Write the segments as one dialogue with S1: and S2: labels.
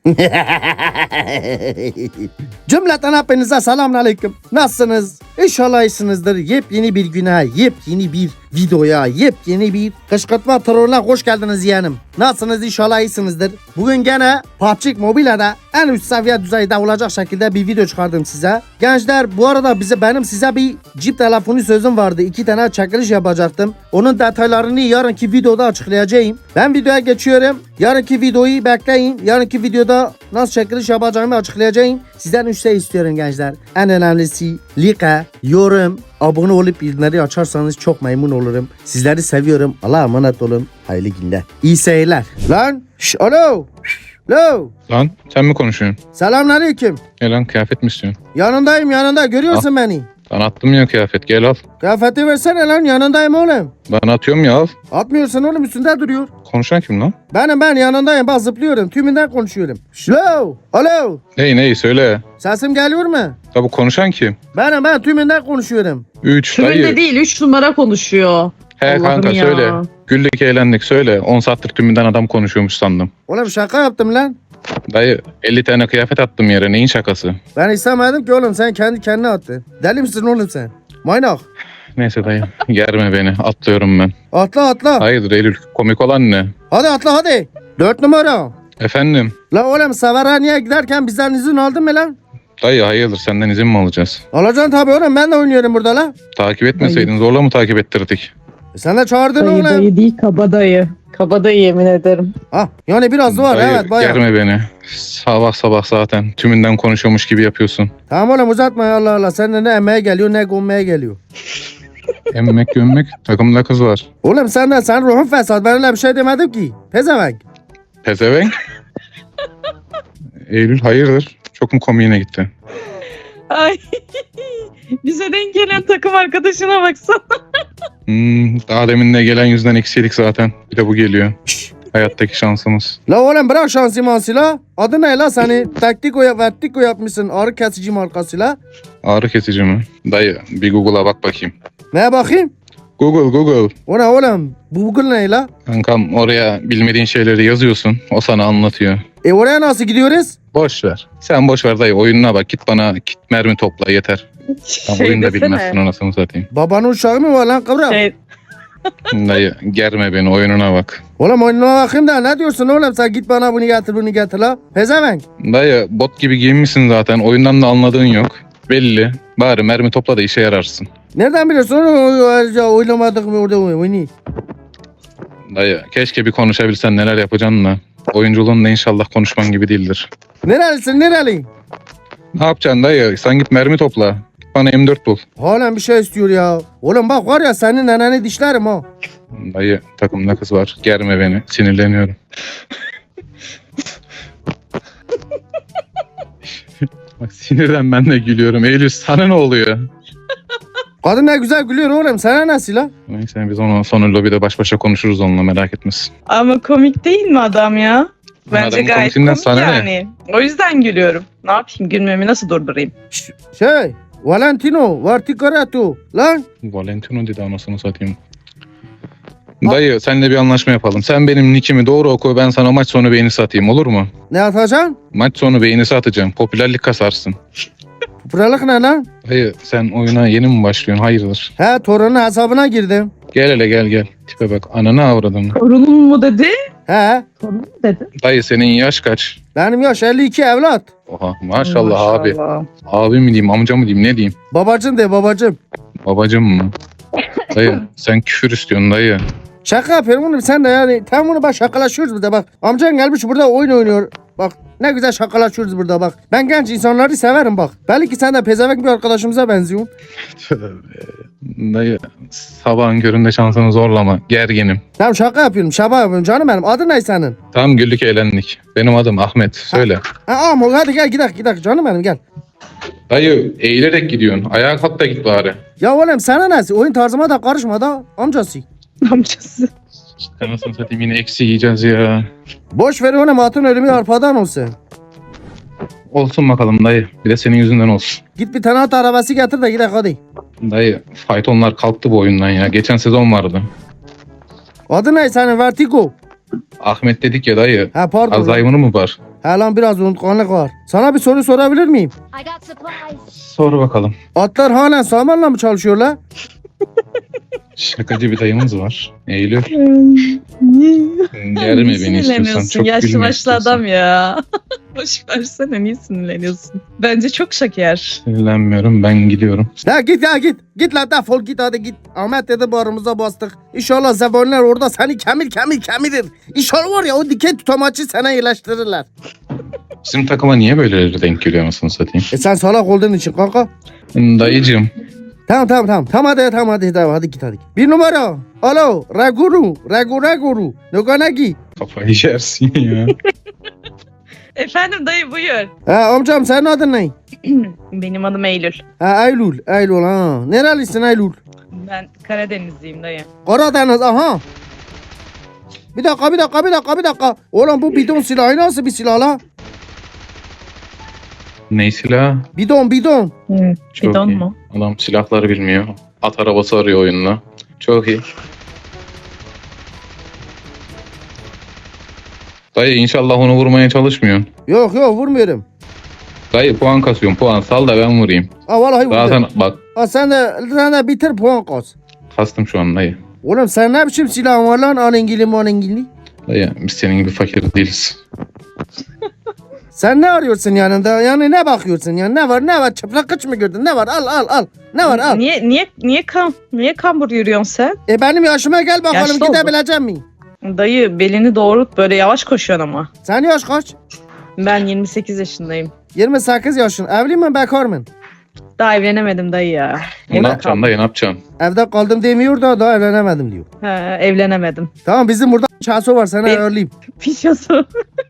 S1: Cümleten hepinize selamun aleyküm. Nasılsınız? İnşallah iyisiniz,dir. Yepyeni bir güne, yepyeni bir videoya, yepyeni bir kışkırtma terörüne hoş geldiniz yeğenim. Nasılsınız? İnşallah iyisinizdir. Bugün gene PUBG Mobile'de en üst seviye düzeyde olacak şekilde bir video çıkardım size. Gençler, bu arada benim size bir cip telefonu sözüm vardı. 2 tane çekiliş yapacaktım. Onun detaylarını yarınki videoda açıklayacağım. Ben videoya geçiyorum. Yarınki videoyu bekleyin. Yarınki videoda nasıl çekiliş yapacağımı açıklayacağım. Sizden 3 şey istiyorum gençler. En önemlisi like, yorum, abone olup bildirimleri açarsanız çok memnun olurum. Sizleri seviyorum. Allah'a emanet olun. Hayırlı günler. İyi seyirler. Lan alo. Alo.
S2: Lan sen mi konuşuyorsun?
S1: Selamünaleyküm.
S2: Gel lan kıyafet mi istiyorsun?
S1: Yanındayım, yanında. Görüyorsun beni.
S2: Ben attım ya kıyafet, gel al.
S1: Kıyafeti versene lan, yanındayım oğlum.
S2: Ben atıyorum ya, al.
S1: Atmıyorsun oğlum, üstünde duruyor.
S2: Konuşan kim lan?
S1: Ben yanındayım, bak zıplıyorum. Tümünden konuşuyorum. Alo. Alo.
S2: Ney söyle.
S1: Sesim geliyor mu?
S2: Ya bu konuşan kim?
S1: Ben tümünden konuşuyorum.
S2: 3
S3: Tümünde
S2: dayı.
S3: değil 3 numara konuşuyor.
S2: He
S3: Allah'ım
S2: kanka
S3: ya.
S2: söyle. Güldük eğlendik söyle. 10 saattir tümünden adam konuşuyormuş sandım.
S1: Oğlum şaka yaptım lan.
S2: Dayı 50 tane kıyafet attım yere, neyin şakası?
S1: Ben istemedim ki oğlum, sen kendi kendine attın. Deli misin oğlum sen? Maynak.
S2: Neyse dayı germe beni, atlıyorum ben.
S1: Atla.
S2: Hayırdır Eylül, komik olan ne?
S1: Hadi atla hadi. 4 numara.
S2: Efendim?
S1: La oğlum, Severhaniye giderken bizden izin aldın mı lan?
S2: Dayı hayırdır, senden izin mi alacağız?
S1: Alacaksın tabii oğlum, ben de oynuyorum burada la.
S2: Takip etmeseydin zorla mı takip ettirdik?
S1: Sen de çağırdın
S3: Dayı
S1: oğlum.
S3: dayı değil kabadayı. Kabadayı yemin ederim.
S1: Ha, yani biraz var
S2: Dayı
S1: evet bayağı.
S2: germe beni. Sabah zaten tümünden konuşuyormuş gibi yapıyorsun.
S1: Tamam oğlum, uzatma ya, Allah Allah. Sen de ne emeğe geliyor ne gömmeye geliyor.
S2: Emmek gömmek takımda kız var.
S1: Oğlum sen ruhun fesat, ben öyle bir şey demedim ki. Pezevenk.
S2: Pezevenk. Eylül hayırdır? Çok mu komiğine gitti?
S3: Ay. Bize denk gelen takım arkadaşına baksana.
S2: Daha demin de gelen yüzden eksiydik zaten. Bir de bu geliyor. Hayattaki şansımız.
S1: La oğlum bırak şansı mansı la. Adı ne la seni? Vertiko yapmışsın ağrı kesici markasıyla.
S2: Ağrı kesici mi? Dayı bir Google'a bak bakayım.
S1: Neye bakayım?
S2: Google.
S1: O ne oğlum? Bu Google ne la?
S2: Kankam oraya bilmediğin şeyleri yazıyorsun. O sana anlatıyor.
S1: Oraya nasıl gidiyoruz?
S2: Boş ver. Sen boş ver dayı, oyununa bak. Git bana mermi topla yeter. Tam oyunu da bilmezsin, anasını satayım.
S1: Babanın uşağı mı var lan kıvrak?
S2: Dayı germe beni, oyununa bak.
S1: Oğlum oyununa bakayım da ne diyorsun oğlum, sen git bana bunu getir la. Pezevenk.
S2: Dayı bot gibi giyinmişsin zaten. Oyundan da anladığın yok. Belli. Bari mermi topla da işe yararsın.
S1: Nereden biliyorsun oğlum? Oynamadık mı orada oyunu?
S2: Dayı keşke bir konuşabilsen neler yapacaksın da. Oyunculuğun da inşallah konuşman gibi değildir.
S1: Nerelisin nereli?
S2: Ne yapacaksın dayı? Sen git mermi topla. Git bana M4 bul.
S1: Halen bir şey istiyor ya. Oğlum bak var ya, senin neneni dişlerim ha.
S2: Dayı takımda kız var. Germe beni. Sinirleniyorum. Bak sinirden ben de gülüyorum. Eylül sana ne oluyor?
S1: Kadın ne güzel gülüyor oğlum, sana nasıl la?
S2: Neyse biz onu sonra lobide baş başa konuşuruz onunla, merak etmesin.
S3: Ama komik değil mi adam ya? Bence
S2: Adamın
S3: gayet
S2: komisinden
S3: komik
S2: sana ne?
S3: yani. O yüzden gülüyorum. Ne yapayım, gülmemi nasıl durdurayım?
S1: Şey, Valentino, Varticarato. Lan,
S2: Valentino dedi, anasını satayım. Dayı senle bir anlaşma yapalım. Sen benim nickimi doğru oku, ben sana maç sonu beğeni satayım, olur mu?
S1: ne atacaksın?
S2: Maç sonu beğeni satacağım. Popülerlik kasarsın.
S1: Buralık ne lan?
S2: Dayı sen oyuna yeni mi başlıyorsun? Hayırdır?
S1: He, torunun hesabına girdim.
S2: Gel hele gel. Tipe bak, ananı avradın.
S3: Torunum mu dedi?
S1: He,
S3: Torunum mu dedi?
S2: Dayı senin yaş kaç?
S1: benim yaş 52 evlat.
S2: Oha maşallah abi. Abi mi diyeyim, amca mı diyeyim, ne diyeyim?
S1: Babacım de babacım.
S2: Babacım mı? Dayı sen küfür istiyorsun dayı.
S1: Şaka yapıyorum oğlum, sen de yani. Tam bunu bak, şakalaşıyoruz burada bak. Amcan gelmiş burada oyun oynuyor. Bak ne güzel şakalaşıyoruz burada bak. Ben genç insanları severim bak. Belki sen de pezevenk bir arkadaşımıza benziyorsun.
S2: Dayı sabahın köründe şansını zorlama. Gerginim.
S1: Tamam şaka yapıyorum, şaka yapıyorum canım benim. Adın ne senin?
S2: Tamam güldük eğlendik. Benim adım Ahmet. Söyle.
S1: Ama hadi gel gidelim canım benim, gel.
S2: Dayı eğilerek gidiyorsun. Ayağa kalk da git bari.
S1: Ya oğlum sana nasıl? Oyun tarzıma da karışma da amcası.
S3: Amcası.
S2: Anasını satayım, yine eksi yiyeceğiz ya.
S1: Boş ver oğlum, atın ölümü arpadan olsun.
S2: Olsun bakalım dayı. Bir de senin yüzünden olsun.
S1: Git bir tane at arabası getir de gidelim hadi.
S2: Dayı faytonlar kalktı bu oyundan ya. Geçen sezon vardı.
S1: Adı ne senin? Vertigo.
S2: Ahmet dedik ya dayı.
S1: Ha pardon.
S2: Alzheimer'ı mı var?
S1: He lan biraz unutkanlık var. Sana bir soru sorabilir miyim?
S4: I got supplies.
S2: Sor bakalım.
S1: Atlar halen samanla mı çalışıyorlar?
S2: Şakacı bir dayımız var. Eylül.
S3: Niye
S2: Germe beni istiyorsan.
S3: sinirleniyorsun?
S2: Çok
S3: Yaşlı
S2: gülme
S3: başlı
S2: istiyorsan.
S3: adam ya. Boş versene, niye sinirleniyorsun? Bence çok şeker.
S2: Sinirlenmiyorum, ben gidiyorum.
S1: La git ya git. Git la defol git hadi git. Ahmet dedi bağrımıza bastık. İnşallah zebanlar orada seni kemirir. İnşallah var ya o dikey tutamaçı sana yerleştirirler.
S2: Bizim takıma niye böyleleri denk geliyor anasını satayım?
S1: Sen salak olduğun için kanka.
S2: Dayıcığım.
S1: Tamam hadi git. Bir numara. Alo Reguru. Noganagi.
S2: Kafayı yersin ya.
S3: Efendim dayı, buyur.
S1: Ha amcam senin adın ne?
S3: Benim adım Eylül.
S1: Ha Eylül ha. Nerelisin Eylül?
S3: Ben Karadenizliyim dayı.
S1: Karadeniz aha. Bir dakika. Oğlum bu bidon silahı nasıl bir silah la?
S2: Ne silah?
S1: Bidon.
S2: Çok
S3: Bidon
S2: iyi.
S3: mu?
S2: Adam silahları bilmiyor. At arabası arıyor oyunla. Çok iyi. Dayı inşallah onu vurmaya çalışmıyorsun.
S1: Yok vurmuyorum.
S2: Dayı puan kasıyorum, puan sal da ben vurayım.
S1: Ha vallahi
S2: Zaten
S1: vurdum.
S2: bak
S1: Ha sen de bitir puan kas.
S2: kastım şu an dayı.
S1: Oğlum sen ne biçim silahın var lan alengili.
S2: Dayı biz senin gibi fakir değiliz.
S1: Sen ne arıyorsun yanında? Yani ne bakıyorsun yani? Ne var? Çıplak kıç mı gördün? Ne var? Al. Ne var al.
S3: Niye kambur yürüyorsun sen?
S1: Benim yaşıma gel bakalım
S3: Yaşlı oldu.
S1: gidebilecek miyim?
S3: Dayı belini doğrult, böyle yavaş koşuyorsun ama.
S1: Sen yaş kaç?
S3: Ben 28 yaşındayım.
S1: 28 yaşın. Evli mi bekar mı?
S3: Daha evlenemedim dayı ya.
S2: Ne yapacaksın dayı, ne yapacaksın?
S1: Evde kaldım demiyor da daha evlenemedim diyor.
S3: Ha, evlenemedim.
S1: Tamam bizim burada çaso var sana
S3: Ben-
S1: ayarlayayım.
S3: Pişosu.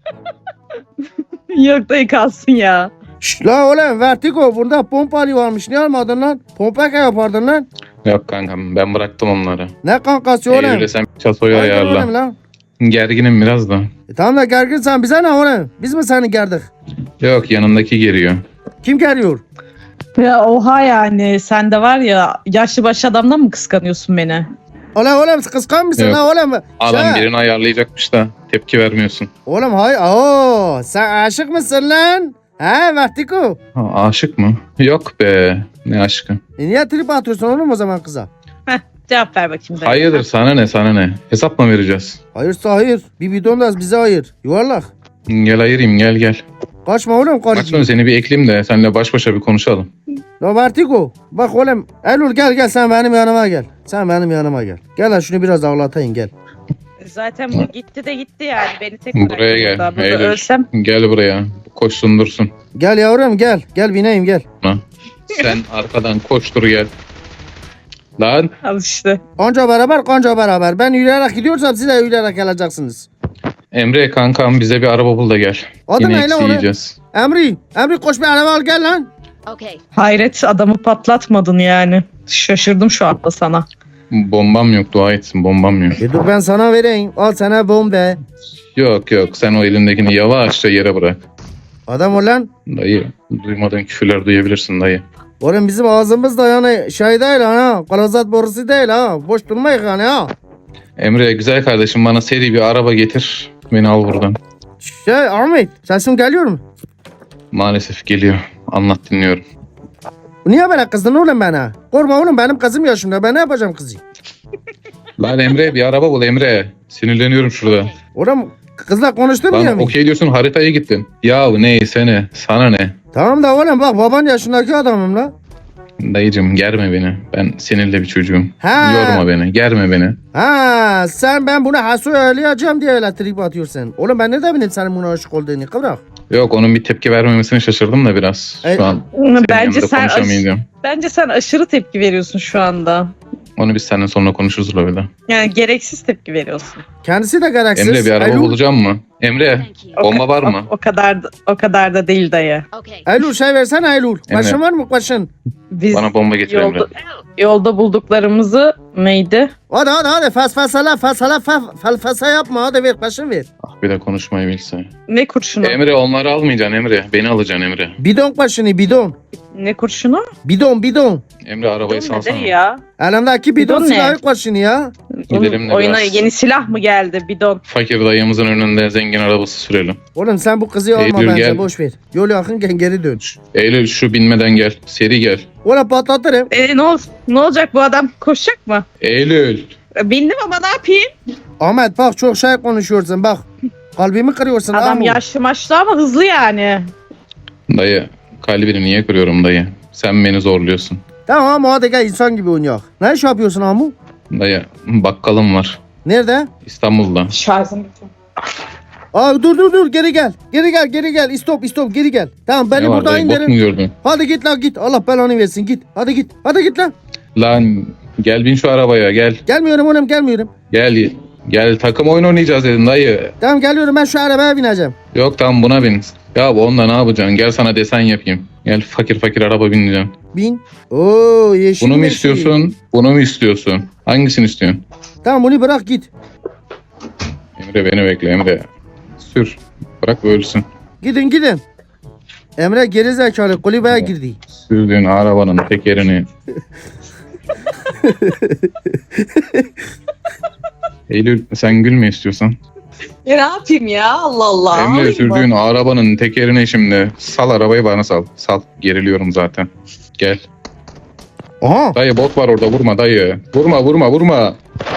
S3: Yok dayı, kalsın ya.
S1: Şşş la oğlum Vertigo burada pompalı varmış ne almadın lan? Pompaka yapardın lan.
S2: Yok kankam, ben bıraktım onları.
S1: Ne kankası oğlum?
S2: Eylül'e sen çasoyu
S1: Haydi
S2: ayarla.
S1: oğlum lan.
S2: Gerginim biraz da.
S1: Tamam da gerginsen bize ne oğlum? Biz mi seni gerdik?
S2: Yok, yanındaki geriyor.
S1: Kim geriyor?
S3: Ya oha, yani sen de var ya, yaşlı başlı adamdan mı kıskanıyorsun beni?
S1: Oğlum kıskan mısın
S2: Yok.
S1: la oğlum?
S2: Adam
S1: Şey,
S2: birini ayarlayacakmış da tepki vermiyorsun.
S1: Oğlum hayır. Sen aşık mısın lan? He Vertigo.
S2: Ha, aşık mı? Yok be. Ne aşkı?
S1: Niye trip atıyorsun oğlum o zaman kıza?
S3: Cevap ver bakayım dayı.
S2: Hayırdır, sana ne? Hesap mı vereceğiz?
S1: Hayırsa hayır. Bir bidon da bize hayır. Yuvarlak.
S2: Gel ayırayım, gel.
S1: Kaçma oğlum
S2: Kaçma,
S1: karıcığım.
S2: seni bir ekleyeyim de seninle baş başa bir konuşalım.
S1: La Vertigo. Bak oğlum. Eylül gel sen benim yanıma gel. Gel lan şunu biraz ağlatayım gel.
S3: Zaten bu gitti de gitti yani. Beni tek
S2: Buraya
S3: bıraktı
S2: gel,
S3: burada. Burada
S2: Eylül.
S3: ölsem.
S2: Gel buraya. Koşsun dursun.
S1: Gel yavrum gel. Gel bineyim gel.
S2: Sen arkadan koştur gel. Lan
S3: Al işte.
S1: Kanca beraber. Ben yürüyerek gidiyorsam siz de yürüyerek geleceksiniz.
S2: Emre kankam, bize bir araba bul da gel.
S1: Adı
S2: Yine
S1: ne lan
S2: eksi
S1: onun?
S2: yiyeceğiz.
S1: Emri koş bir araba al gel lan.
S4: Okay.
S3: Hayret, adamı patlatmadın yani. Şaşırdım şu anda sana.
S2: Bombam yok, dua etsin, bombam yok.
S1: Dur ben sana vereyim. Al sana bombe.
S2: Yok sen o elindekini yavaşça yere bırak.
S1: Adam ol lan.
S2: Dayı, duymadığın küfürler duyabilirsin dayı.
S1: Oğlum bizim ağzımız da yani şey değil ha. Kalazat borusu değil ha. Boş durmayın yani ha.
S2: Emre güzel kardeşim, bana seri bir araba getir. Beni al buradan.
S1: Ahmet sesim geliyor mu?
S2: Maalesef geliyor. Anlat, dinliyorum.
S1: Niye böyle kızdın oğlum bana? Korkma oğlum benim kızım yaşımda. Ben ne yapacağım kızı?
S2: Lan Emre, bir araba bul Emre. Sinirleniyorum şurada.
S1: Oğlum kızla konuşturmuyor
S2: Lan
S1: mu?
S2: okey diyorsun, haritaya gittin. Yahu neyse ne, sana ne?
S1: Tamam da oğlum bak baban yaşındaki adamım la.
S2: Dayıcım germe beni. Ben seninle bir çocuğum.
S1: Ha.
S2: Yorma beni, germe beni.
S1: Ha sen ben bunu hasu öğleyeceğim diye öyle trip atıyorsun. Oğlum ben ne de bileyim senin buna aşık olduğunu kıvrak.
S2: Yok, onun bir tepki vermemesine şaşırdım da biraz. Şu an senin
S3: Bence
S2: yanında konuşamayacağım.
S3: bence sen aşırı tepki veriyorsun şu anda.
S2: Onu biz seninle sonra konuşuruz la bir de.
S3: Yani gereksiz tepki veriyorsun.
S1: Kendisi de gereksiz.
S2: Emre bir araba
S1: Eylül,
S2: bulacağım mı? Emre
S4: Thank you.
S2: bomba var mı?
S3: O kadar da değil dayı.
S4: Okay.
S1: Eylül şey versene Eylül.
S2: Emre.
S1: Başın var mı başın?
S3: Biz
S2: Bana bomba getir Emre.
S3: yolda bulduklarımızı neydi?
S1: Hadi felfasa yapma hadi ver başın ver.
S2: Ah, bir de konuşmayı bilse.
S3: Ne kurşunu?
S2: Emre onları almayacaksın Emre. Beni alacaksın Emre.
S1: Bidon başını bidon.
S3: Ne kurşunu?
S1: Bidon.
S2: Emre arabayı
S3: Bidon ne
S2: salsana.
S3: dayı ya?
S1: Elimdeki bidon
S3: Bidon ne?
S1: silahı başını ya.
S2: Gidelim de
S3: Oyuna
S2: biraz.
S3: yeni silah mı geldi? Bidon.
S2: Fakir dayımızın önünde zengin zengin arabası sürelim.
S1: Oğlum sen bu kızı alma
S2: Eylül,
S1: bence
S2: gel.
S1: boş ver. Yol yakınken geri dön.
S2: Eylül şu binmeden gel. Seri gel.
S1: Oğlum patlatırım.
S3: Ne olacak bu adam? Koşacak mı?
S2: Eylül.
S3: Bindim ama ne yapayım?
S1: Ahmet bak çok şey konuşuyorsun bak. Kalbimi kırıyorsun.
S3: Adam
S1: Ahmet.
S3: yaşlı maçlı ama hızlı yani.
S2: Dayı kalbini niye kırıyorum dayı? Sen beni zorluyorsun.
S1: Tamam hadi gel insan gibi oynayak. Ne iş yapıyorsun Amu?
S2: Dayı bakkalım var.
S1: Nerede?
S2: İstanbul'da.
S3: Şarjım bitti.
S1: Aa dur geri gel. Geri gel. Stop geri gel. Tamam beni
S2: Ne var
S1: burada
S2: dayı, bot mu
S1: indirin.
S2: gördün?
S1: Hadi git lan git. Allah belanı versin git. Hadi git lan.
S2: Lan gel bin şu arabaya gel.
S1: Gelmiyorum oğlum gelmiyorum.
S2: Gel takım oyun oynayacağız dedin dayı.
S1: Tamam geliyorum ben şu arabaya bineceğim.
S2: Yok tamam buna bin. Ya bu onda ne yapacaksın? Gel sana desen yapayım. Gel fakir araba bineceğim.
S1: Bin. Oo yeşil.
S2: Bunu mu
S1: yeşil.
S2: istiyorsun? Bunu mu istiyorsun? Hangisini istiyorsun?
S1: Tamam bunu bırak git.
S2: Emre beni bekle Emre. Sür. Bırak ölsün.
S1: Gidin. Emre geri zekalı kulübeye girdi.
S2: Sürdüğün arabanın tekerini. Eylül sen gülme istiyorsan.
S3: Ne yapayım ya? Allah Allah.
S2: Emre sürdüğün arabanın tekerini şimdi. Sal arabayı bana sal. Sal. Geriliyorum zaten. Gel.
S1: Aha.
S2: Dayı bot var orada vurma dayı. Vurma.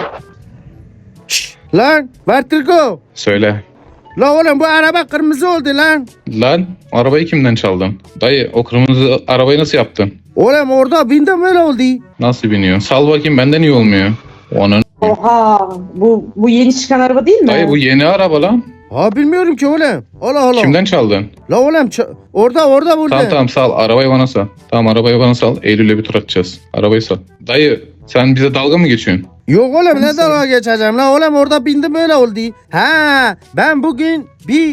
S1: Lan Vertigo.
S2: Söyle.
S1: La oğlum bu araba kırmızı oldu lan.
S2: Lan arabayı kimden çaldın? Dayı o kırmızı arabayı nasıl yaptın?
S1: Oğlum orada bindim öyle oldu.
S2: Nasıl biniyor? Sal bakayım benden iyi olmuyor. Onun.
S3: Oha. Bu yeni çıkan araba değil mi?
S2: Dayı bu yeni araba lan.
S1: Ha bilmiyorum ki oğlum. Allah.
S2: Kimden çaldın?
S1: La oğlum orada burada.
S2: Tamam sal. Arabayı bana sal. Tamam arabayı bana sal. Eylül'le bir tur atacağız. Arabayı sal. Dayı sen bize dalga mı geçiyorsun?
S1: Yok oğlum ne dalga geçeceğim la oğlum orada bindim öyle oldu. Ha ben bugün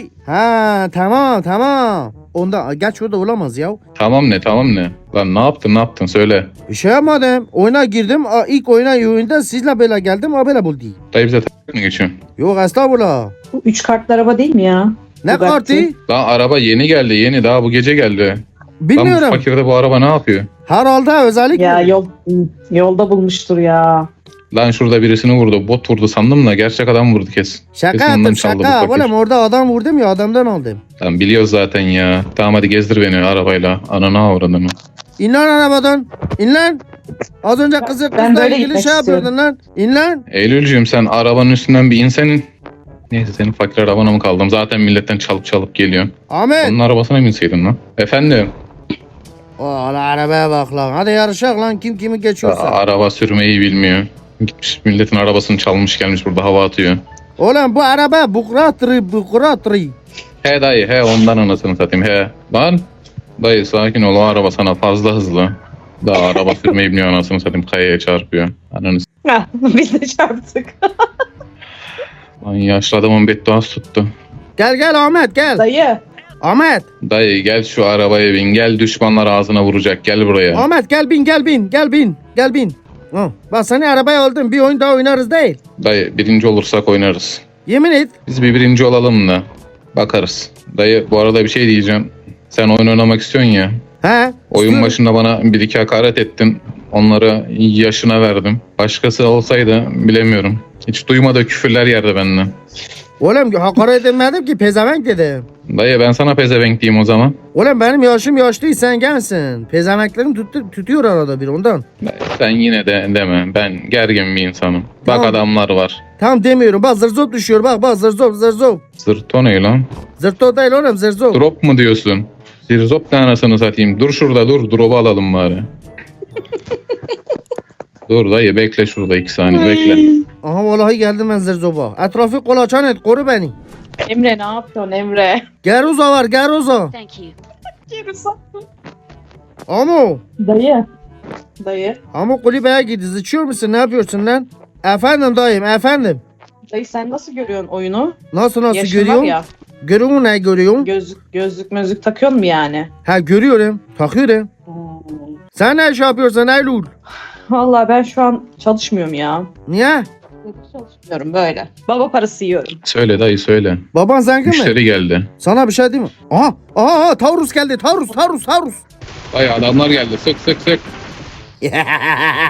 S1: tamam. Onda geç orada olamaz ya.
S2: Tamam ne? Lan ne yaptın söyle.
S1: Bir şey yapmadım. Oyuna girdim. İlk oyunda sizle böyle geldim. Böyle buldu.
S2: Dayı bize mı geçiyorsun?
S1: Yok estağfurullah.
S3: Bu 3 kartlı araba değil mi ya?
S1: Ne
S3: Bugatti.
S1: kartı?
S2: Lan araba yeni geldi yeni daha bu gece geldi. Lan bu
S1: Bilmiyorum.
S2: fakirde bu araba ne yapıyor?
S1: Herhalde özellik
S3: Ya
S1: mi?
S3: yolda bulmuştur ya.
S2: Lan şurada birisini vurdu. Bot vurdu sandım da gerçek adam vurdu kesin.
S1: Şaka
S2: Kesin ondan
S1: yaptım
S2: çaldı bu
S1: şaka.
S2: fakir.
S1: Oğlum orada adam vurdum ya adamdan aldım.
S2: Lan biliyoruz zaten ya. Tamam hadi gezdir beni arabayla. Ananı avradını.
S1: İn lan arabadan. İn lan. Az önce kızla
S3: böyle
S1: ilgili
S3: gitmek
S1: şey yapıyordun lan. İn lan.
S2: Eylülcüğüm sen arabanın üstünden bir insenin. Neyse senin fakir arabana mı kaldım? Zaten milletten çalıp geliyor.
S1: Ahmet.
S2: Onun arabasına binseydin lan. Efendim?
S1: Oğlum arabaya bak lan. Hadi yarışak lan. Kim kimi geçiyorsa.
S2: Araba sürmeyi bilmiyor. Gitmiş milletin arabasını çalmış gelmiş burada hava atıyor.
S1: Oğlum bu araba bukratri.
S2: He dayı he ondan anasını satayım he. Lan dayı sakin ol o araba sana fazla hızlı. Daha araba sürmeyi bilmiyor anasını satayım kayaya çarpıyor. Ananı
S3: Heh, biz de çarptık.
S2: lan yaşlı adamın bedduası tuttu.
S1: Gel Ahmet gel.
S3: Dayı.
S1: Ahmet.
S2: Dayı gel şu arabaya bin gel düşmanlar ağzına vuracak gel buraya.
S1: Ahmet gel bin. Ha, bak seni arabaya aldım. Bir oyun daha oynarız değil.
S2: Dayı birinci olursak oynarız.
S1: Yemin et.
S2: Biz bir birinci olalım da bakarız. Dayı bu arada bir şey diyeceğim. Sen oyun oynamak istiyorsun ya.
S1: He?
S2: Oyun
S1: istiyorum.
S2: başında bana bir iki hakaret ettin. Onları yaşına verdim. Başkası olsaydı bilemiyorum. Hiç duymadığı küfürler yerdi benden.
S1: Oğlum hakaret etmedim ki pezevenk dedim.
S2: Dayı ben sana pezevenk diyeyim o zaman.
S1: Oğlum benim yaşım yaşlı sen gençsin. Pezevenklerim tutuyor arada bir ondan.
S2: Dayı, sen yine de deme. Ben gergin bir insanım. Bak
S1: Tamam.
S2: adamlar var.
S1: Tam demiyorum bak zırzop düşüyor bak zırzop.
S2: Zırto ne lan?
S1: Zırto değil oğlum zırzop.
S2: Drop mu diyorsun? Zirzop ne anasını satayım. Dur şurada dur. Drop'u alalım bari. Dur dayı bekle şurada 2 saniye bekle.
S1: Aha vallahi geldim ben zırzopa. Etrafı kolaçan et koru beni.
S3: Emre ne yapıyorsun Emre?
S1: Geruza var Geruza.
S4: Thank you.
S1: Amo.
S3: Dayı.
S1: Amo kulübeye gitti zıçıyor musun ne yapıyorsun lan? Efendim dayım efendim.
S3: Dayı sen nasıl görüyorsun oyunu?
S1: Nasıl
S3: Yaşın
S1: görüyorsun?
S3: var ya.
S1: Görüyorsun ne görüyorsun?
S3: Gözlük takıyorsun mu yani?
S1: Ha görüyorum. Takıyorum. Sen ne iş yapıyorsun Eylül?
S3: Vallahi ben şu an çalışmıyorum ya.
S1: Niye?
S3: Çalışmıyorum böyle. Baba parası yiyorum.
S2: Söyle dayı söyle.
S1: Baban zengin mi?
S2: Müşteri geldi.
S1: Sana bir şey değil mi? Aha Taurus geldi. Taurus.
S2: Dayı adamlar geldi. Sık.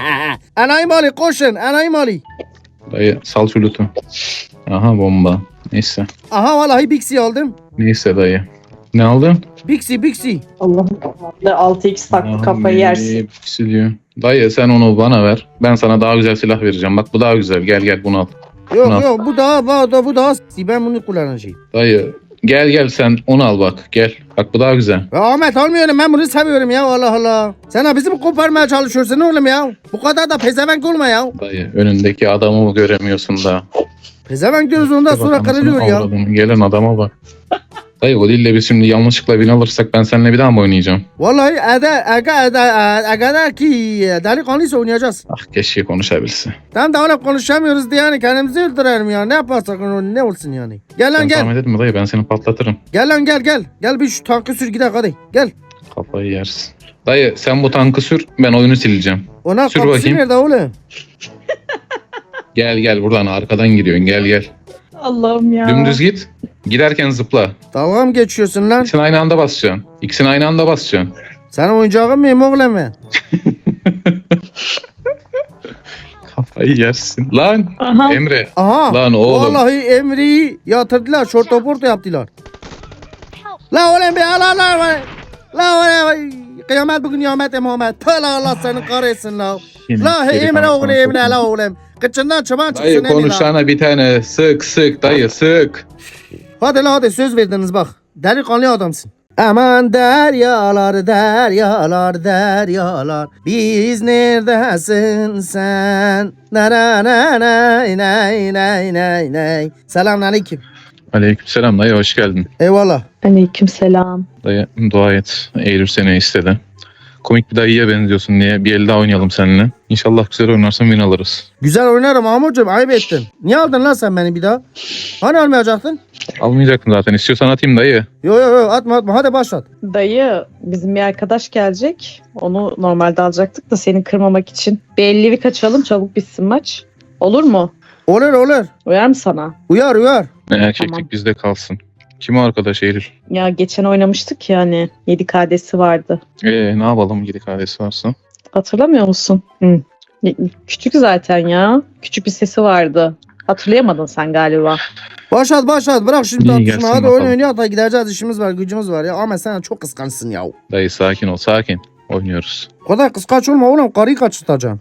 S1: Enayi mali koşun. Enayi mali.
S2: Dayı sal şu lütfu. Aha bomba. Neyse.
S1: Aha vallahi Bixi aldım.
S2: Neyse dayı. Ne aldın?
S1: Bixi.
S3: Allah'ım. 6x taktı kafayı yersin.
S2: Hepsi diyor. Dayı sen onu bana ver. Ben sana daha güzel silah vereceğim. Bak bu daha güzel. Gel bunu al.
S1: Yok
S2: Nasıl?
S1: yok bu daha ben bunu kullanacağım.
S2: Dayı gel sen onu al bak. Gel. Bak bu daha güzel.
S1: Ya Ahmet almıyorum ben bunu seviyorum ya Allah Allah. Sen bizi mi koparmaya çalışıyorsun oğlum ya? Bu kadar da pezevenk olma ya.
S2: Dayı önündeki adamı göremiyorsun da.
S1: Pezevenk diyoruz ondan sonra
S2: Bak,
S1: kırılıyor
S2: anasını
S1: ya.
S2: avradını. Gelen adama bak. Dayı o dille biz şimdi yanlışlıkla bin alırsak ben seninle bir daha mı oynayacağım?
S1: Vallahi eğer ki delikanlıysa oynayacağız.
S2: Ah keşke konuşabilse.
S1: Tam da öyle konuşamıyoruz diye yani kendimizi öldürelim ya. Ne yaparsak ne olsun yani. Gel lan
S2: Sen
S1: gel.
S2: tahmin etme dayı ben seni patlatırım.
S1: Gel lan gel. Gel bir şu tankı sür gidelim hadi. Gel.
S2: Kafayı yersin. Dayı sen bu tankı sür ben oyunu sileceğim.
S1: Ona
S2: Sür
S1: kapısı
S2: bakayım.
S1: nerede oğlum?
S2: Gel buradan arkadan giriyorsun gel.
S3: Allah'ım ya.
S2: Dümdüz git. Giderken zıpla.
S1: Dalga mı geçiyorsun lan?
S2: İkisini aynı anda basacaksın. İkisini aynı anda basacaksın.
S1: Sen oyuncağın mıyım oğlum ben?
S2: Kafayı yersin. Lan
S3: Aha.
S2: Emre.
S1: Aha.
S2: Lan oğlum.
S1: Vallahi Emre'yi yatırdılar. Şortoporto yaptılar. La oğlum be la oğlum. Kıyamet bugün kıyamet Muhammed. Tala Allah seni kahretsin la.
S2: Yine
S1: La
S2: geri
S1: Emre
S2: kalan
S1: oğlum
S2: sana
S1: Emre
S2: sokayım.
S1: la oğlum. Kıçından çıban
S2: Dayı
S1: çıksın Emre la.
S2: konuşsana bir tane. Sık dayı sık.
S1: Hadi la hadi söz verdiniz bak. Delikanlı adamsın. Aman deryalar biz neredesin sen? Nay. Selamünaleyküm.
S2: Aleykümselam dayı hoş geldin.
S1: Eyvallah.
S3: Aleykümselam.
S2: Dayı dua et. Eylül seni istedi. Komik bir dayıya benziyorsun diye bir el daha oynayalım seninle. İnşallah güzel oynarsan win alırız.
S1: Güzel oynarım Mahmutcuğum ayıp ettin. Niye aldın lan sen beni bir daha? Hani almayacaktın?
S2: Almayacaktım zaten. İstiyorsan atayım dayı.
S1: Yo atma hadi başlat.
S3: Dayı bizim bir arkadaş gelecek. Onu normalde alacaktık da seni kırmamak için. Bir 50'li kaçalım çabuk bitsin maç. Olur mu?
S1: Olur.
S3: Uyar mı sana?
S1: Uyar.
S2: Erkeklik
S3: Tamam.
S2: bizde kalsın. Kim o arkadaş Eylül?
S3: Ya geçen oynamıştık ya hani 7 KD'si vardı.
S2: Ne yapalım gidik ailesi varsa.
S3: Hatırlamıyor musun? Hı. Küçük zaten ya. Küçük bir sesi vardı. Hatırlayamadın sen galiba.
S1: Başlat bırak şimdi
S2: İyi,
S1: tartışma.
S2: gelsin
S1: Hadi
S2: bakalım.
S1: oyun oynayalım da gideceğiz işimiz var gücümüz var ya. Ama sen çok kıskançsın ya.
S2: Dayı sakin ol sakin. Oynuyoruz.
S1: O kadar kıskanç olma oğlum karıyı kaçırtacaksın.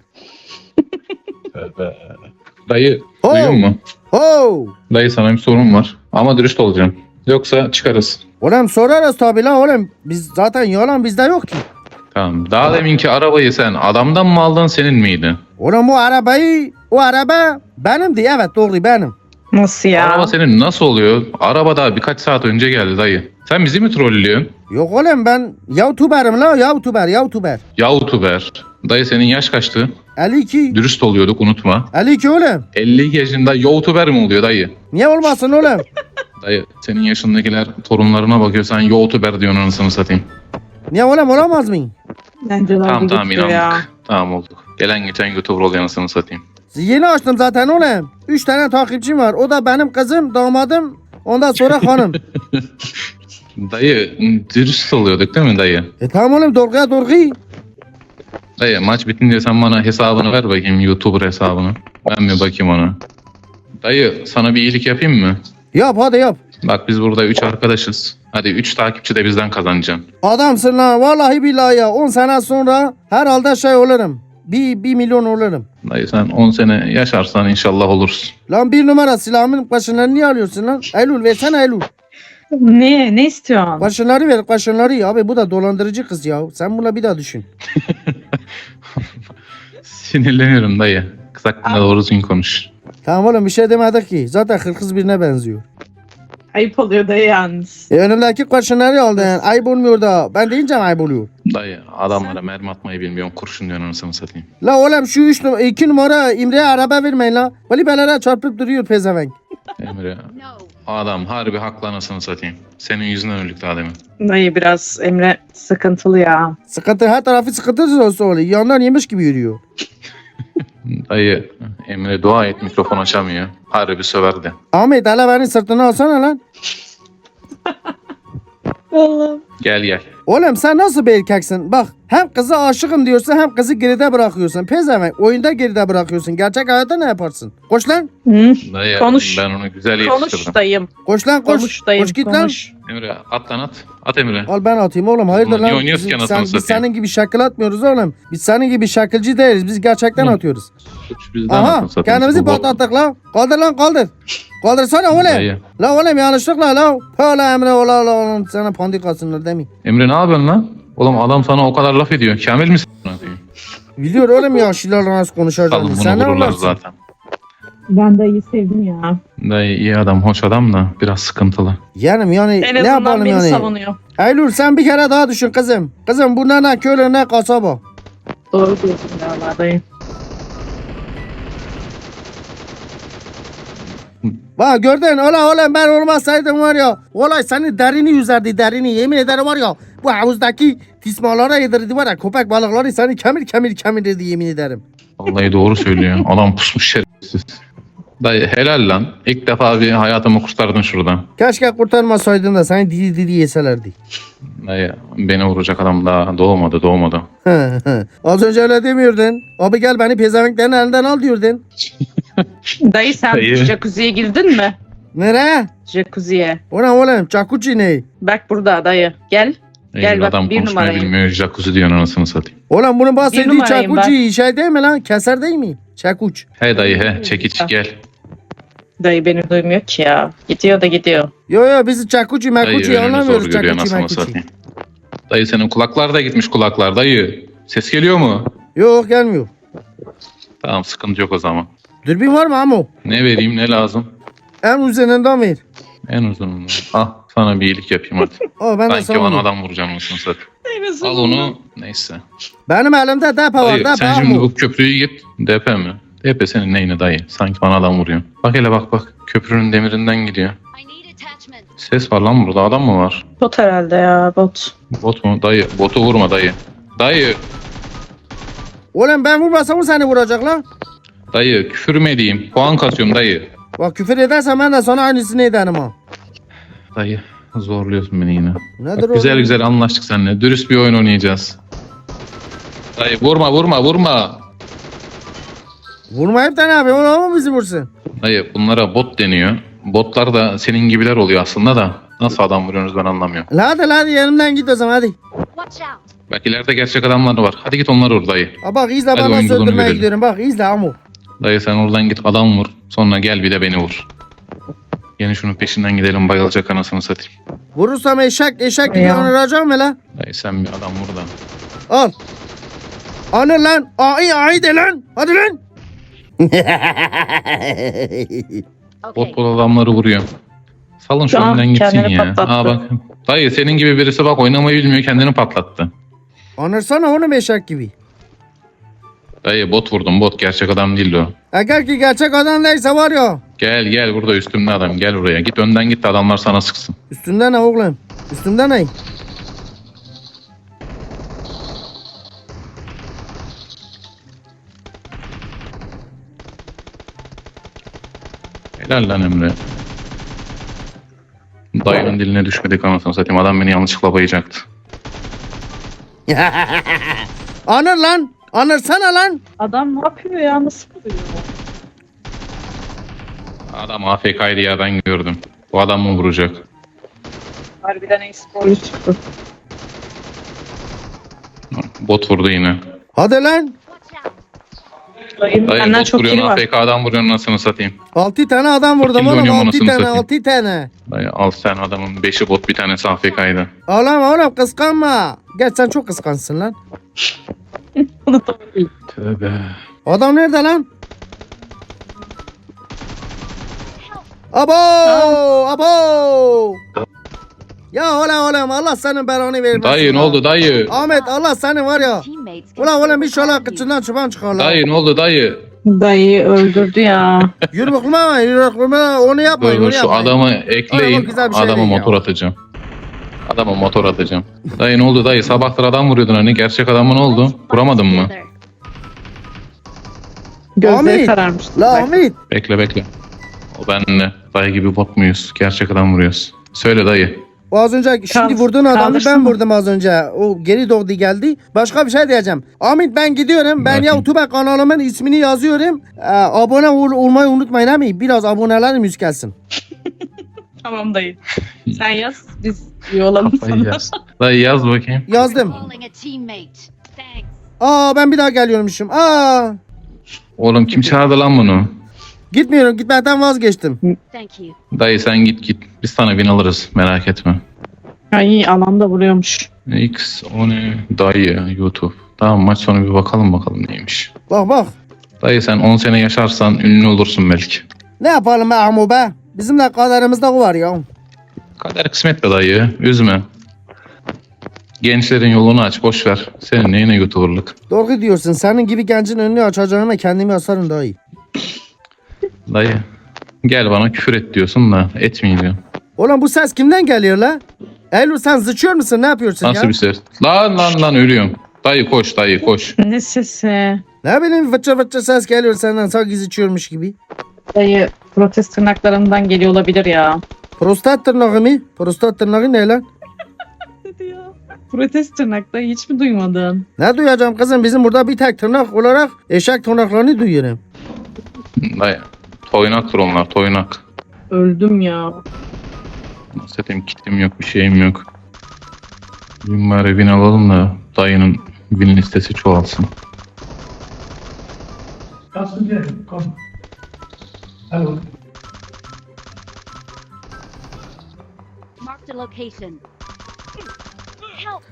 S2: Dayı
S1: Ho!
S2: duyuyor musun?
S1: Ho!
S2: Dayı sana bir sorun var. Ama dürüst olacağım. Yoksa çıkarız.
S1: Oğlum sorarız tabi lan oğlum. Biz zaten yalan bizde yok ki.
S2: Tamam. Daha deminki arabayı sen adamdan mı aldın senin miydi?
S1: Oğlum o araba benimdi evet doğru benim.
S3: Nasıl ya?
S2: Araba senin nasıl oluyor? Araba daha birkaç saat önce geldi dayı. Sen bizi mi trollüyorsun?
S1: Yok oğlum ben YouTuber'ım la YouTuber.
S2: YouTuber. Dayı senin yaş kaçtı?
S1: 52.
S2: Dürüst oluyorduk unutma.
S1: 52 oğlum.
S2: 50 yaşında YouTuber mi oluyor dayı?
S1: Niye olmasın oğlum?
S2: Dayı senin yaşındakiler torunlarına bakıyor sen YouTuber diyorsun anasını satayım.
S1: Niye oğlum olamaz mı?
S3: Bence
S2: Tamam inandık. Tamam olduk. Gelen geçen YouTuber oluyor anasını satayım.
S1: Yeni açtım zaten oğlum. 3 tane takipçim var. O da benim kızım, damadım. Ondan sonra hanım.
S2: Dayı dürüst oluyorduk değil mi dayı?
S1: Tamam oğlum doğru.
S2: Dayı maç bitince sen bana hesabını ver bakayım YouTuber hesabını. Ben bir bakayım ona. Dayı sana bir iyilik yapayım mı?
S1: Yap hadi yap.
S2: Bak biz burada 3 arkadaşız. Hadi 3 takipçi de bizden kazanacaksın.
S1: Adamsın lan vallahi billahi ya. 10 sene sonra herhalde şey olurum. 1 milyon olurum.
S2: Dayı sen 10 sene yaşarsan inşallah olursun.
S1: Lan 1 numara silahımın başınları niye alıyorsun lan? Eylül versene Eylül.
S3: Ne istiyorsun?
S1: Başınları ver başınları. Abi bu da dolandırıcı kız ya. Sen buna bir daha düşün.
S2: Sinirleniyorum dayı. Kız hakkında doğru düzgün konuş.
S1: Tamam oğlum bir şey demedik ki. Zaten hırkız birine benziyor.
S3: Ayıp oluyor dayı yalnız.
S1: Önümdeki başınları aldı yani. Ayıp olmuyor da. Ben deyince ayıp oluyor.
S2: Dayı adamlara mermi atmayı bilmiyorum. Kurşun diyorsun anasını satayım.
S1: La oğlum şu 2 numara İmre'ye araba vermeyin la. Valibelere çarpıp duruyor pezevenk.
S2: Emre adam harbi haklı anasını satayım. Senin yüzünden öldük daha demin.
S3: Dayı biraz Emre sıkıntılı ya.
S1: Sıkıntı her tarafı sıkıntı olsa oluyor. Yandan yemiş gibi yürüyor.
S2: Dayı Emre dua et mikrofon açamıyor. Harbi söverdi.
S1: Ahmet hele beni sırtına alsana lan.
S3: Allah'ım.
S2: Gel gel.
S1: Oğlum sen nasıl bir erkeksin? Bak hem kızı aşığım diyorsun hem kızı geride bırakıyorsun. Pezevenk oyunda geride bırakıyorsun. Gerçek hayatta ne yaparsın? Koş lan.
S3: Hı.
S2: Dayı
S3: Konuş.
S2: ben onu güzel
S3: Konuş
S2: yetiştirdim.
S3: dayım.
S1: Koş lan koş.
S3: Konuş dayım.
S1: Koş git
S3: konuş.
S2: Emre at lan at. At Emre.
S1: Al ben atayım oğlum. Hayırdır
S2: Ulan niye
S1: lan?
S2: oynuyoruz ki anasını
S1: Biz
S2: satayım?
S1: senin gibi şakıl atmıyoruz oğlum. Biz senin gibi şakılcı değiliz. Biz gerçekten
S2: Hı.
S1: atıyoruz.
S2: Suç bizden
S1: Aha
S2: anasını satayım.
S1: kendimizi
S2: Bu bot-
S1: patlattık lan. Kaldır lan kaldır. Kaldırsana oğlum.
S2: Dayı.
S1: La oğlum yanlışlıkla la. Hala Emre oğlum sana pandik atsınlar değil mi?
S2: Emre ne yapıyorsun lan? Oğlum adam sana o kadar laf ediyor. Kamil misin?
S1: Biliyor oğlum ya şilarla nasıl konuşacağını.
S2: Salın
S1: Sen
S2: bunu
S1: ne
S2: vururlar
S1: anlarsın?
S2: zaten.
S3: Ben dayıyı sevdim ya.
S2: Dayı iyi adam, hoş adam da biraz sıkıntılı.
S1: Yani
S3: En
S1: ne
S3: azından
S1: yapalım
S3: beni
S1: yani?
S3: savunuyor.
S1: Eylül sen bir kere daha düşün kızım. Kızım bu ne köylü ne kasaba.
S3: Doğru diyorsun galiba dayı.
S1: Bak gördün oğlum ben olmasaydım var ya. Olay senin derini yüzerdi derini yemin ederim var ya. Bu havuzdaki tismalara yedirdi var ya köpek balıkları seni kemirdi yemin ederim.
S2: Vallahi doğru söylüyor. Adam pusmuş şerefsiz. Dayı helal lan. İlk defa bir hayatımı kurtardın şuradan.
S1: Keşke kurtarmasaydın da seni diri yeselerdi.
S2: Dayı beni vuracak adam daha doğmadı.
S1: Az önce öyle demiyordun. Abi gel beni pezevenklerin elinden al diyordun.
S3: Dayı sen
S2: Dayı.
S3: jacuzziye girdin mi?
S1: Nereye?
S3: Jacuzziye.
S1: O ne oğlum? Jacuzzi ne?
S3: Bak burada dayı. Gel. Gel
S2: Eylül
S3: bak,
S2: adam
S3: bir
S2: konuşmayı
S3: numarayım.
S2: bilmiyor. Jacuzzi diyor anasını satayım.
S1: Oğlum bunun
S3: Bir
S1: bahsettiği
S3: numarayım
S1: jacuzzi şey değil mi lan? Keser değil mi? Çakuç.
S2: He dayı he çekiç gel.
S3: Dayı beni duymuyor ki ya. Gidiyor da gidiyor.
S1: Yo biz jacuzzi
S2: Dayı
S1: makuçi
S2: önünü zor
S1: anlamıyoruz
S2: görüyor
S1: jacuzzi
S2: anasını
S1: makuçi.
S2: satayım. Dayı senin kulaklar da gitmiş kulaklar dayı. Ses geliyor mu?
S1: Yok gelmiyor.
S2: Tamam sıkıntı yok o zaman.
S1: Dürbün var mı Amo?
S2: Ne vereyim ne lazım?
S1: En uzunundan ver.
S2: En uzununu. Ah sana bir iyilik yapayım hadi.
S1: O ben de
S2: Sanki
S1: sana
S2: bana
S1: vereyim.
S2: adam vuracağım anasını satayım. Al onu neyse.
S1: Benim elimde depo var
S2: Dayı
S1: depo
S2: sen şimdi
S1: Amo.
S2: bu köprüyü git. DP mi? DP senin neyine dayı? Sanki bana adam vuruyor. Bak hele bak. Köprünün demirinden gidiyor.
S4: I need attachment.
S2: Ses var lan burada. Adam mı var?
S3: Bot herhalde ya bot.
S2: Bot mu? Dayı. Botu vurma dayı. Dayı.
S1: Oğlum ben vurmasam o seni vuracak lan.
S2: Dayı küfür mü edeyim? Puan kasıyorum dayı.
S1: Bak küfür edersen ben de sana aynısını ederim ha.
S2: Dayı zorluyorsun beni yine.
S1: Nedir
S2: Bak,
S1: o?
S2: güzel güzel anlaştık seninle. Dürüst bir oyun oynayacağız. Dayı vurma.
S1: Vurmayıp da ne yapayım? O mu bizi vursun?
S2: Dayı bunlara bot deniyor. Botlar da senin gibiler oluyor aslında da. Nasıl adam vuruyorsunuz ben anlamıyorum.
S1: Hadi yanımdan git o zaman hadi.
S4: Watch out.
S2: Bak ileride gerçek adamlar var. Hadi git onları vur dayı.
S1: Ha bak izle
S2: Hadi
S1: ben nasıl
S2: oyunculuğunu
S1: öldürmeye
S2: görelim.
S1: gidiyorum. Bak izle Amo.
S2: Dayı sen oradan git adam vur. Sonra gel bir de beni vur. Yine şunun peşinden gidelim bayılacak anasını satayım.
S1: Vurursam eşek gibi
S3: Ya.
S1: onuracağım mı lan?
S2: Dayı sen bir adam vur da.
S1: Al. Anır lan. Ay de lan. Hadi lan.
S4: Okay.
S2: Bot adamları vuruyor. Salın şu
S3: Şu an
S2: önden gitsin
S3: kendini
S2: ya.
S3: patlattı.
S2: Aa bak. Dayı senin gibi birisi bak oynamayı bilmiyor kendini patlattı.
S1: Anırsana onu eşek gibi.
S2: Dayı bot vurdum bot gerçek adam değildi o.
S1: Eğer ki gerçek adam değilse var ya.
S2: Gel burada üstümde adam gel buraya. Git önden git de adamlar sana sıksın.
S1: Üstünde ne oğlum? Üstünde ne?
S2: Helal lan Emre. Dayının diline düşmedik anasını satayım. Adam beni yanlışlıkla bayacaktı.
S1: Anır lan. Anırsana lan.
S3: Adam ne yapıyor ya nasıl vuruyor?
S2: Adam AFK'ydı ya ben gördüm. Bu adam mı vuracak?
S3: Harbiden e-sporcu çıktı.
S2: Bot vurdu yine.
S1: Hadi lan.
S4: Watch out.
S3: Dayının
S2: Dayı
S3: benden
S2: bot
S3: çok
S2: vuruyorsun
S3: iyi var.
S2: AFK adam vuruyorsun anasını satayım.
S1: 6 tane adam vurdum
S2: Kimle
S1: oğlum.
S2: oynuyorum
S1: 6
S2: anasını
S1: tane
S2: satayım?
S1: 6 tane.
S2: Dayı al sen adamın 5'i bot bir tanesi AFK'ydı.
S1: Ağlama oğlum kıskanma. Gerçi sen çok kıskansın lan.
S3: Bunu da iyi.
S2: Tövbe.
S1: Adam nerede lan? Abo! Abo! Ya oğlum Allah senin belanı vermesin.
S2: Dayı ne
S1: ya.
S2: oldu dayı?
S1: Ahmet Allah senin var ya.
S4: Teammates can
S1: Ulan
S4: still
S1: oğlum bir şöyle
S4: revive you.
S1: kıçından çıban çıkar lan.
S2: Dayı ne oldu dayı?
S3: Dayıyı öldürdü ya.
S1: Yürü bakma onu yapmayın
S2: Dur
S1: onu
S2: şu
S1: yapmayın.
S2: adamı ekleyin.
S1: Adama güzel bir şey
S2: Adama
S1: değil ya.
S2: motor atacağım. Adama motor atacağım. Dayı ne oldu dayı? Sabahtır adam vuruyordun hani. Gerçek adamı ne oldu?
S4: Let's fight
S2: Vuramadın mı?
S4: together.
S3: Gözleri
S1: Ahmet,
S3: kararmıştı.
S1: La
S3: Bak.
S1: Ahmet.
S2: Bekle. O benle. Dayı gibi bot muyuz? Gerçek adam vuruyoruz. Söyle dayı.
S1: O az önce şimdi
S3: Kaldır-
S1: vurduğun adamı
S3: kaldırsın
S1: ben
S3: mı?
S1: vurdum az önce. O geri doğdu geldi. Başka bir şey diyeceğim. Ahmet ben gidiyorum. Ben
S2: Bakın.
S1: YouTube kanalımın ismini yazıyorum. Abone olmayı unutmayın abi. Biraz abonelerimiz yükselsin.
S3: Tamam dayı. Sen yaz. Biz üye olalım
S2: Kafayı
S3: sana.
S2: yaz. Dayı yaz bakayım.
S1: Yazdım.
S4: Calling a teammate. Thanks.
S1: Ben bir daha geliyormuşum.
S2: Oğlum kim çağırdı lan bunu?
S1: Gitmiyorum. Gitmekten vazgeçtim.
S4: Thank you.
S2: Dayı sen git. Biz sana bin alırız. Merak etme.
S3: Ay alanda vuruyormuş.
S2: X o ne? Dayı YouTube. Tamam maç sonu bir bakalım neymiş.
S1: Bak.
S2: Dayı sen 10 sene yaşarsan ünlü olursun belki.
S1: Ne yapalım be Ahmu be? Bizim de kaderimizde o var ya.
S2: Kader kısmet be dayı. Üzme. Gençlerin yolunu aç. Boş ver. Senin neyine YouTuber'lık?
S1: Doğru diyorsun. Senin gibi gencin önünü açacağıma kendimi asarım daha iyi.
S2: Dayı. Gel bana küfür et diyorsun da etmeyeceğim.
S1: Oğlum bu ses kimden geliyor la? Eylül sen sıçıyor musun? Ne yapıyorsun
S2: Nasıl
S1: ya?
S2: bir ses? Lan ölüyorum. Dayı koş dayı koş.
S3: Ne sesi?
S1: Ne bileyim fıçı ses geliyor senden sanki sıçıyormuş gibi.
S3: Dayı protest tırnaklarından geliyor olabilir ya.
S1: Prostat tırnağı mı? Prostat tırnağı ne lan?
S3: Dedi ya. Protest tırnak dayı hiç mi duymadın?
S1: Ne duyacağım kızım? Bizim burada bir tek tırnak olarak eşek tırnaklarını duyuyorum.
S2: Dayı. Toynaktır onlar toynak.
S3: Öldüm ya.
S2: Zaten kitim yok bir şeyim yok. Bugün bari win alalım da dayının win listesi çoğalsın.
S4: Marked a location. Help.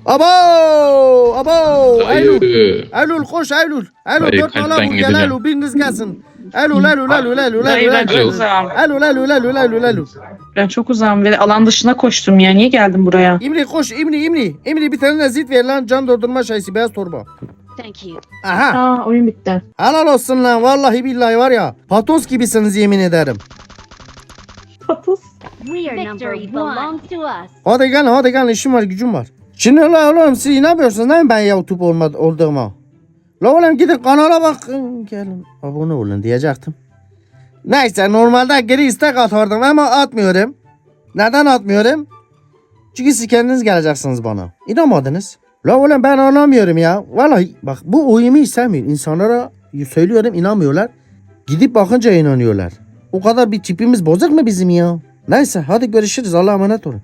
S1: Abo! Eylül!
S2: Dayı.
S1: Eylül koş Eylül! Eylül
S2: Dayı,
S1: dört nala
S2: kalpten
S1: vur gel
S2: gideceğim.
S1: Eylül biriniz gelsin. Eylül
S3: Dayı ben çok uzağım.
S1: Eylül.
S3: Ben çok uzağım ve alan dışına koştum ya. Niye geldim buraya?
S1: İmri koş İmri. İmri bir tane de zit ver lan can doldurma şeysi beyaz torba.
S4: Thank you.
S1: Aha.
S3: Aa oyun bitti.
S1: Helal olsun lan vallahi billahi var ya. Patos gibisiniz yemin ederim.
S3: Patos.
S4: We are Victory belongs to us.
S1: Hadi gel işim var gücüm var. Şimdi la oğlum siz inanmıyorsunuz değil mi ben YouTube olduğuma? La oğlum gidin kanala bakın gelin abone olun diyecektim. Neyse normalde geri istek atardım ama atmıyorum. Neden atmıyorum? Çünkü siz kendiniz geleceksiniz bana. İnanmadınız. La oğlum ben anlamıyorum ya. Vallahi bak bu oyunu istemiyor. İnsanlara söylüyorum inanmıyorlar. Gidip bakınca inanıyorlar. O kadar bir tipimiz bozuk mu bizim ya? Neyse hadi görüşürüz Allah'a emanet olun.